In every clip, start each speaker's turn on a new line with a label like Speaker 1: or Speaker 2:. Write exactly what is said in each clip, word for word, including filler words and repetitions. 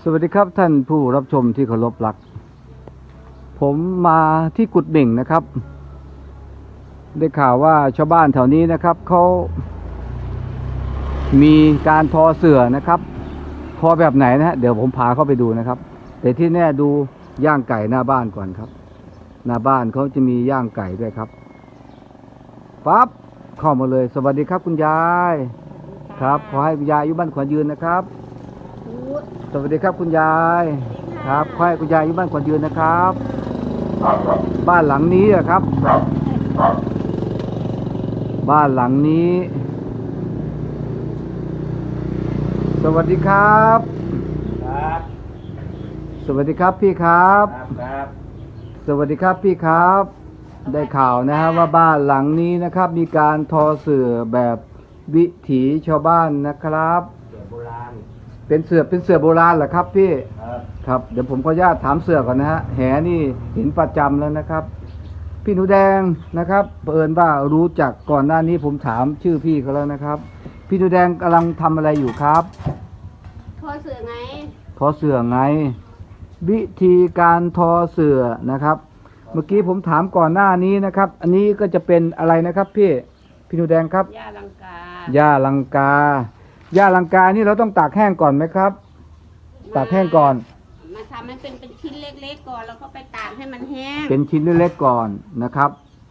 Speaker 1: สวัสดีครับท่านผู้รับชมที่เคารพรักผมมาที่กุดเบ่งนะครับได้ข่าวว่าชาวบ้านแถวนี้นะครับเขามีการทอเสื่อนะครับทอแบบไหนนะฮะเดี๋ยวผมพาเข้าไปดูนะครับแต่ที่แน่ดูย่างไก่หน้าบ้านก่อนครับหน้าบ้านเขาจะมีย่างไก่ด้วยครับปั๊บเข้ามาเลยสวัสดีครับคุณยายครับขอให้คุณยายอายุบ้านขวัญยืนนะครับสวัสดีครับคุณยายครับขอให้คุณยายอายุบ้านขวัญยืนนะครับบ้านหลังนี้อะครับบ้านหลังนี้สวัสดีครับ
Speaker 2: ครับ
Speaker 1: สวัสดีครับพี่ครับ
Speaker 2: ครับ
Speaker 1: สวัสดีครับพี่ครับได้ข่าวนะฮะว่าบ้านหลังนี้นะครับมีการทอเสื่อแบบวิถีชาวบ้านนะครับ
Speaker 2: เสือโบราณ
Speaker 1: เป็นเสื่อเป็นเสื่อโบราณเหรอครับพี่
Speaker 2: ครับ
Speaker 1: ครับเดี๋ยวผมขออนุญาตถามเสื่อก่อนนะฮะแหนี่เห็นประจำแล้วนะครับพี่หนูแดงนะครับเผอิญว่ารู้จักก่อนหน้านี้ผมถามชื่อพี่เขาแล้วนะครับพี่หนูแดงกำลังทำอะไรอยู่ครับ
Speaker 3: ทอเสือไง
Speaker 1: ทอเสื่อไงวิธีการทอเสื่อนะครับเมื่อกี้ผมถามก่อนหน้านี้นะครับอันนี้ก็จะเป็นอะไรนะครับพี่พี่หนูแดงครับ
Speaker 3: หญ้าลังกา
Speaker 1: หญ้าลังกาหญ้าลังกานี่เราต้องตากแห้งก่อนไหมครับตากแห้งก่อน
Speaker 3: มาทำให้เป็นเป็นชิ้นเล็กๆก่อนแล้วก็ไปตากให้มันแห้ง
Speaker 1: เป็นชิ้นเล็กๆก่อนนะครับ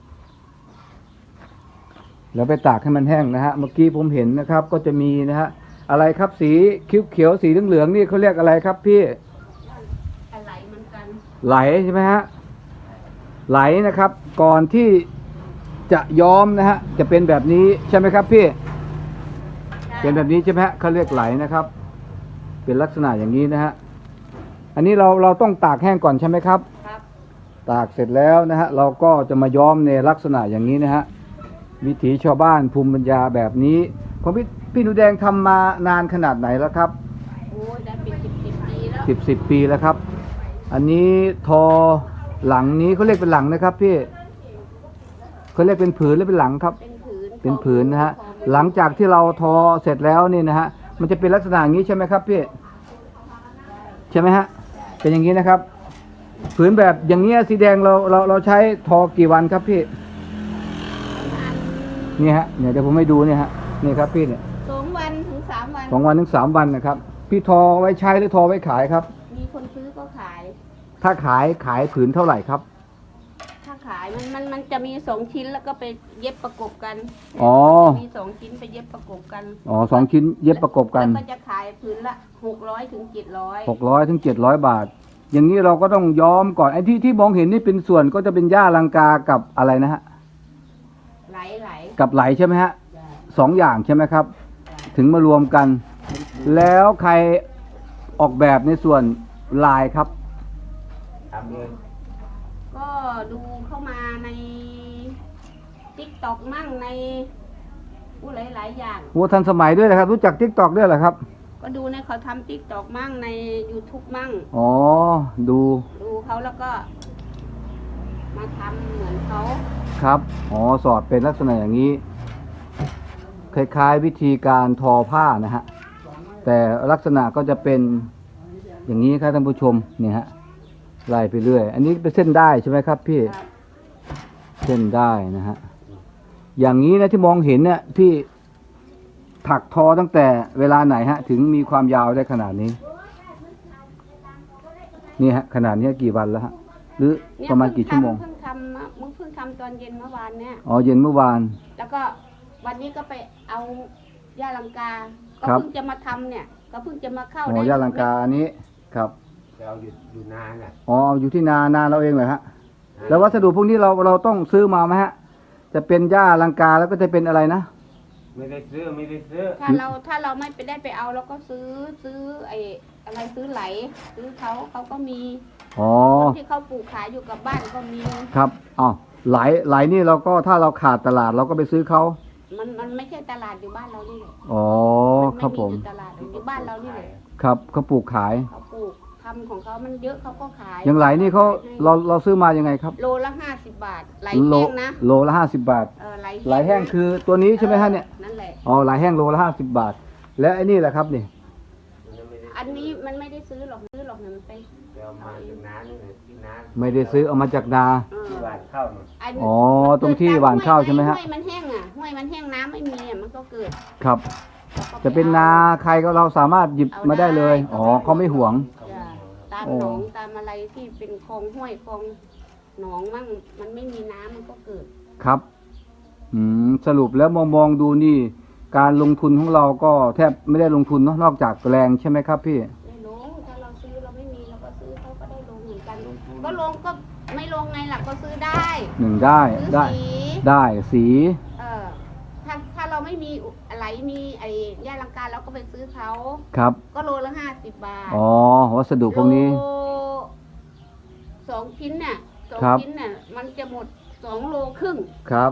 Speaker 1: แล้วไปตากให้มันแห้งนะฮะเมื่อกี้ผมเห็นนะครับก็จะมีนะฮะอะไรครับสีเขียวๆสีเหลืองๆนี่เขาเรียกอะไรครับพี่
Speaker 3: อะไรเหมือนกัน
Speaker 1: ไหลใช่ไหมฮะไหลนะครับก่อนที่จะย้อมนะฮะจะเป็นแบบนี้ใช่ไหมครับพี่เป็นแบบนี้ใช่ไหมฮะเขาเรียกไหลนะครับเป็นลักษณะอย่างนี้นะฮะอันนี้เราเราต้องตากแห้งก่อนใช่ไหมครับ
Speaker 3: ครับ
Speaker 1: ตากเสร็จแล้วนะฮะเราก็จะมาย้อมในลักษณะอย่างนี้นะฮะวิถีชาวบ้านภูมิปัญญาแบบนี้ของพี่พี่หนูแดงทำมานานขนาดไหนแล้วครับ
Speaker 3: โอ้ยได้เป็นสิบสิบปีแล้ว
Speaker 1: สิบสิบปีแล้วครับอันนี้ทอหลังนี้เขาเรียกเป็นหลังนะครับพี่เขาเรียกเป็นผืนหรือเป็นหลังครับ
Speaker 3: เป็นผืน
Speaker 1: เป็นผืนนะฮะหลังจากที่เราทอเสร็จแล้วนี่นะฮะมันจะเป็นลักษณะอย่างนี้ใช่ไหมครับพี่ใช่ไหมฮะเป็นอย่างนี้นะครับผืนแบบอย่างเงี้ยสีแดงเราเราเราใช้ทอกี่วันครับพี่นี่ฮะเนี่ยเดี๋ยวผมให้ดูเนี่ยฮะนี่ครับพี่เนี่ย
Speaker 3: สองวันถึงสามวัน
Speaker 1: สองวันถึงสามวันนะครับพี่ทอไว้ใช้หรือทอไว้ขายครับ
Speaker 3: มีคนซื้อก็ขาย
Speaker 1: ถ้าขายขายผืนเท่าไหร่ครับ
Speaker 3: ถ้าขายมันมันมันจะมีสองชิ้นแล้วก็ไปเย็บประกบกัน
Speaker 1: อ๋อ
Speaker 3: มีสองชิ้นไปเย็บประกบกัน
Speaker 1: อ๋อสองชิ้นเย็บประกบกัน
Speaker 3: แล้วก็จะขายผืนละหกร้อยถึงเจ็ดร้อย
Speaker 1: หกร้อยถึงเจ็ดร้อยบาทอย่างนี้เราก็ต้องย้อมก่อนไอ้ที่ที่มองเห็นนี่เป็นส่วนก็จะเป็นหญ้าลังกากับอะไรนะฮะ
Speaker 3: ไหลไหล
Speaker 1: กับไหลใช่ไหมฮะสองอย่างใช่ไหมครับถึงมารวมกันแล้วใครออกแบบในส่วนลายครับ
Speaker 2: ทำเอง
Speaker 3: ก็ดูเข้ามาในติ๊กต็อกมั่งในผู้หลายหลายอย่าง
Speaker 1: โอ้ทันสมัยด้วยนะครับรู้จักทิกตอกด้วยเหรอครับ
Speaker 3: ก็ดูในเขาทำติ๊กต็อกมั่งใน YouTube มั่ง
Speaker 1: อ๋อดู
Speaker 3: ดูเขาแล้วก็มาทำเหมือนเขา
Speaker 1: ครับอ๋อสอดเป็นลักษณะอย่างนี้คล้ายๆวิธีการทอผ้านะฮะแต่ลักษณะก็จะเป็นอย่างนี้ครับท่านผู้ชมเนี่ยฮะไล่ไปเรื่อยอันนี้เป็นเส้นได้ใช่ไหมครับพี่เส้นได้นะฮะอย่างนี้นะที่มองเห็นเนี่ยพี่ถักทอตั้งแต่เวลาไหนฮะถึงมีความยาวได้ขนาดนี้นี่ฮะขนาดนี้กี่วันแล้วฮะหรือประมาณกี่ชั่วโมง
Speaker 3: เพิ่งทำมึงเพิ่งทำตอนเย็นเมื่อวานเนี่ย
Speaker 1: อ๋อเย็นเมื่อวาน
Speaker 3: แล้วก็วันนี้ก็ไปเอาหญ้าลังกาก็เพิ่งจะมาทำเนี่ยก็เพิ่งจะมาเข้า
Speaker 1: อ๋อหญ้าลังกาอันนี้ครับ
Speaker 2: เราอยู่อยู่นานอ่ะ
Speaker 1: อ๋ออยู่ที่นานาเราเองเหรอฮะแล้ววัสดุพวกนี้เราเราต้องซื้อมาไหมฮะจะเป็นหญ้าลังกาแล้วก็จะเป็นอะไรนะ
Speaker 2: ไม่ได้ซื้อไม่ได้ซื้อ
Speaker 3: ถ้าเราถ้าเราไม่ไปได้ไปเอาเราก็ซื้อซื้อไอ้อะไรซื้อไหลซื้อเขาเขาก็มี
Speaker 1: อ๋อ
Speaker 3: คนที่เขาปลูกขายอยู่กับบ้านก็มี
Speaker 1: ครับอ๋อไหลไหลนี่เราก็ถ้าเราขาดตลาดเราก็ไปซื้อเขา
Speaker 3: มันมันไม่ใช่ตลาดอยู่บ้านเรานี่เลย
Speaker 1: อ๋อครับผม
Speaker 3: ตลาดอยู่บ้านเรานี่เลย
Speaker 1: ครับเขาปลูกขาย
Speaker 3: เขาปลูกทำของเขามันเยอะเขาก็ขาย
Speaker 1: อย่างไหลนี่เขาเราเราซื้อมายังไงครับ
Speaker 3: โลละห้าสิบบาทไหลแห้งนะ
Speaker 1: โลละห้าสิบบาทไหลแห้งคือตัวนี้ใช่ไหมฮะเนี่ย
Speaker 3: นั่นแหละ
Speaker 1: อ๋อไหลแห้งโลละห้าสิบบาทแล้วไอ้นี่แหละครับนี่
Speaker 3: ไออันนี้มันไม่ได้ซื้อหรอกซื้อหรอกเนี่ยมันไป
Speaker 2: เดี๋ยวมาจากน้านี่แหละที่น้า
Speaker 1: ไม่ได้ซื้อเอามาจากนา
Speaker 3: เออ
Speaker 2: ที่หวานข้าวน่ะ
Speaker 3: อัน
Speaker 1: อ๋อตรงที่หว่านข้าวใช่ไหมฮะ
Speaker 3: ห้วยมันแห้งอ่ะห้วยมันแห้งน้ำไม่มีอ่ะมันก็เกิด
Speaker 1: ครับ จะเป็นนาใครก็เราสามารถหยิบมาได้เลย อ๋อเขาไม่ห่วง
Speaker 3: จ้ะตาม
Speaker 1: โอ้
Speaker 3: หนองตามอะไรที่เป็นคลองห้วยคลองหนองมั่งมันไม่มีน้ำมันก็เกิด
Speaker 1: ครับ อืม สรุปแล้วมองมองดูนี่ การลงทุนของเราก็แทบไม่ได้ลงทุนเนอะนอกจากแรงใช่ไหมครับพี่
Speaker 3: ไม่ลงถ้าเราซื้อเราไม่มีเราก็ซื้อเขาก็ได้ลงเหมือนกันก็ลงก็ไม่ลงไงล่ะก็ซื้อได้
Speaker 1: หนึ่งได้
Speaker 3: ซื้อ
Speaker 1: ได้
Speaker 3: สี
Speaker 1: ได้สี
Speaker 3: เออถ้าถ้าเราไม่มีอะไรมีไอ้ย่าลังการเราก็ไปซื้อเขา
Speaker 1: ครับ
Speaker 3: ก็โลละห้าสิบบาท
Speaker 1: อ๋อ วัสดุพวกนี้
Speaker 3: โลสองชิ้นเนี่ยสอง
Speaker 1: ครับ
Speaker 3: ชิ้นเนี่ยมันจะหมดสองโลครึ่ง
Speaker 1: ครับ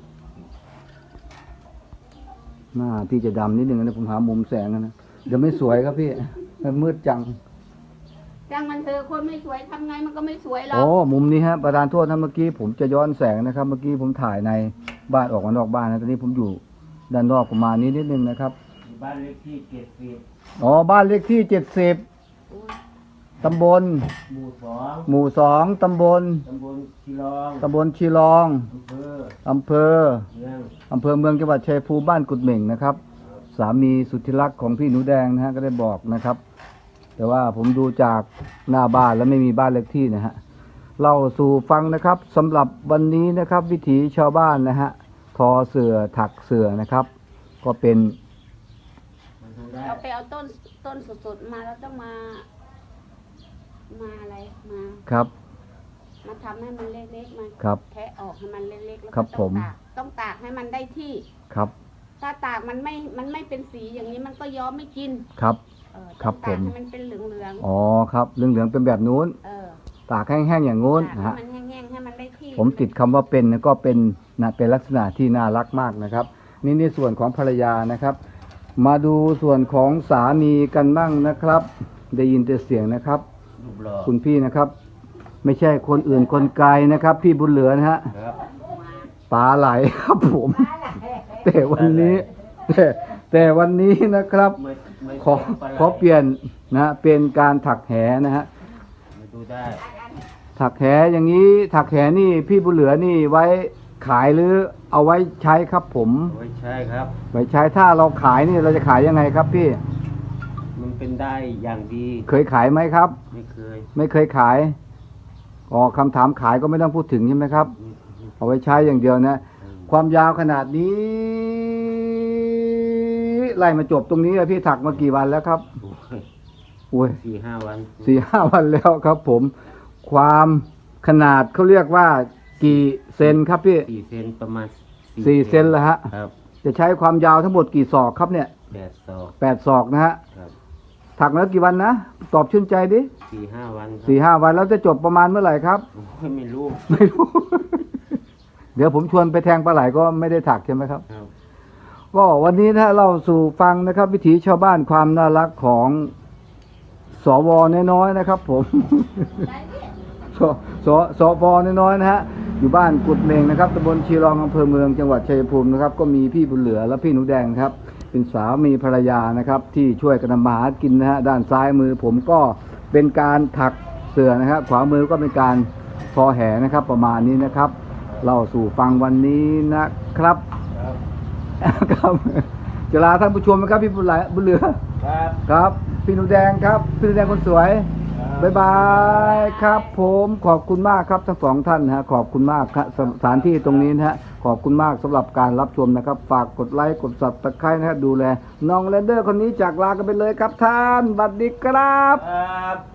Speaker 1: หน้าที่จะดำนิดนึงนะผมหามุมแสงนะเดี๋ยวไม่สวยครับพี่มันมืดจัง
Speaker 3: จ้างมันเธอะคนไม่สวยทำไงมันก็ไม่สวยหรอ
Speaker 1: โอ้
Speaker 3: ก
Speaker 1: มุมนี้ฮะประธานโทษนะเมื่อกี้ผมจะย้อนแสงนะครับ เมื่อกี้ผมถ่ายในบ้านออกมานอกบ้านนะตอนนี้ผมอยู่ด้านนอกประมาณนี้นิดนึงนะครับ
Speaker 2: อยู่บ้านเลขที่เจ็ดสิบ
Speaker 1: อ๋อ บ้านเลขที่เจ็ดสิบ
Speaker 3: โอ้ย
Speaker 1: ตำบล
Speaker 2: หมู่สอง
Speaker 1: หมู่สองตำบล
Speaker 2: ตำบลชีรอง
Speaker 1: ตำบลชีรอง
Speaker 2: อำเภอ
Speaker 1: อำเภอ
Speaker 2: เมือง
Speaker 1: อำเภอเมืองจังหวัดชัยภูมิบ้านกุดเหม่งนะครับ สามีสุดที่รักของพี่หนูแดงนะฮะก็ได้บอกนะครับ แต่ว่าผมดูจากหน้าบ้านแล้วไม่มีบ้านเลขที่นะฮะเล่าสู่ฟังนะครับสำหรับวันนี้นะครับ วิถีชาวบ้านนะฮะทอเสือถักเสือนะครับ ก็เป็น
Speaker 2: มันดูได้
Speaker 3: เราไปเอาต้นต้นสดๆมาแล้วต้องมา มาอะไรมา
Speaker 1: ครับ
Speaker 3: มาทำให้มันเล็กๆมา
Speaker 1: ครับ
Speaker 3: แทะออกให้มันเล็กๆแล้ว
Speaker 1: ครั
Speaker 3: ก็
Speaker 1: บ
Speaker 3: ต้อง
Speaker 1: ผม
Speaker 3: ตากต้องตากให้มันได้ที่
Speaker 1: ครับ
Speaker 3: ถ้าตากมันไม่มันไม่เป็นสีอย่างนี้มันก็ย้อมไม่กิน
Speaker 1: ครับ
Speaker 3: เออ
Speaker 1: ครับ
Speaker 3: ต้องตาก
Speaker 1: ผม
Speaker 3: ให้มันเป็นเหลือง
Speaker 1: อ๋อครับเหลืองๆเป็นแบบนู้น
Speaker 3: ๆเออ
Speaker 1: ตากแห้งๆอย่างงู้น
Speaker 3: ตาก
Speaker 1: นะ
Speaker 3: ให้
Speaker 1: ฮะ
Speaker 3: มันแห้งๆให้มันได้ที่
Speaker 1: ผมติดคำว่าเป็นนะก็เป็นนะเป็นลักษณะที่น่ารักมากนะครับ นี่ในส่วนของภรรยานะครับ มาดูส่วนของสามีกันบ้างนะครับ ได้ยินแต่เสียงนะครับ
Speaker 2: รูปหล่อ
Speaker 1: คุณพี่นะครับ ไม่ใช่คนอื่นคนไกลนะครับ พี่บุญเหลือนะฮะ
Speaker 2: ครับ
Speaker 1: ปลาไหลครับผม แต่วันนี้แต่แต่วันนี้นะครับ
Speaker 2: ไม่ไม่
Speaker 1: ขอ
Speaker 2: ปลาไหล
Speaker 1: ขอเปลี่ยนนะเป็นการถักแหนะฮะ
Speaker 2: มาดูได้
Speaker 1: ถักแหอย่างนี้ถักแหนี่พี่บุญเหลือนี่ไว้ขายหรือเอาไว้ใช้ครับผม
Speaker 2: เอาไว้ใช่ครับ
Speaker 1: ไว้ใช้ถ้าเราขายนี่เราจะขายยังไงครับพี่
Speaker 2: มันเป็นได้อย่างดี
Speaker 1: เคยขายไหมครับ
Speaker 2: ไม่เคย
Speaker 1: ไม่เคยขายอ๋อคำถามขายก็ไม่ต้องพูดถึงใช่ไหมครับ เอาไว้ใช้อย่างเดียวนะ ความยาวขนาดนี้ไล่มาจบตรงนี้อะพี่ถักมากี่วันแล้วครับ
Speaker 2: โอ้ย
Speaker 1: โอ้ย
Speaker 2: สี่ห้าวัน
Speaker 1: สี่ห้าวันแล้วครับผม ความขนาดเขาเรียกว่ากี่เซนครับพี่
Speaker 2: สี่เซนประมาณ
Speaker 1: สี่เซนแล้วฮะ
Speaker 2: ครับ
Speaker 1: จะใช้ความยาวทั้งหมดกี่ศอกครับเนี่ย
Speaker 2: แปดศอก
Speaker 1: แปดศอกนะฮะ
Speaker 2: ครับ
Speaker 1: ถักมาแล้วกี่วันนะ ตอบชื่นใจดิ
Speaker 2: สี่ห้าวันครับ
Speaker 1: สี่ห้าวันแล้วจะจบประมาณเมื่อไหร่ครับ
Speaker 2: โอ้ยไม่รู้
Speaker 1: ไม่รู้ เดี๋ยวผมชวนไปแทงปลาไหลก็ไม่ได้ถักใช่ไหมครับ
Speaker 2: ครับ
Speaker 1: ก็วันนี้นะเราสู่ฟังนะครับ วิถีชาวบ้านความน่ารักของสวน้อยๆนะครับ ผม สสสวน้อยๆนะฮะอยู่บ้านกุดเมงนะครับตำบลชีรองอำเภอเมืองจังหวัดชัยภูมินะครับ ก็มีพี่บุญเหลือและพี่หนูแดงครับ เป็นสามีภรรยานะครับ ที่ช่วยกันทำมาหากินนะฮะด้านซ้ายมือผมก็เป็นการถักเสื่อนะครับ ขวามือก็เป็นการทอแหนะครับ ประมาณนี้นะครับ เราสู่ฟังวันนี้นะครับ
Speaker 2: ครับ
Speaker 1: ครับจะลาท่านผู้ชมนะครับพี่บุญเหลือบุญเหลือ
Speaker 2: ครับ
Speaker 1: ครับ พี่หนูแดงครับพี่หนูแดงคนสวย
Speaker 2: ครับ
Speaker 1: บ๊ายบายครับผมขอบคุณมากครับทั้งสองท่านนะฮะขอบคุณมากครับสสถานที่ตรงนี้นะฮะขอบคุณมากสำหรับการรับชมนะครับ ฝากกดไลค์กดซับสไครต์นะฮะดูแลน้องแรนเดอร์คนนี้จากลากันไปเลยครับท่านบัดดีครับ
Speaker 2: ครับ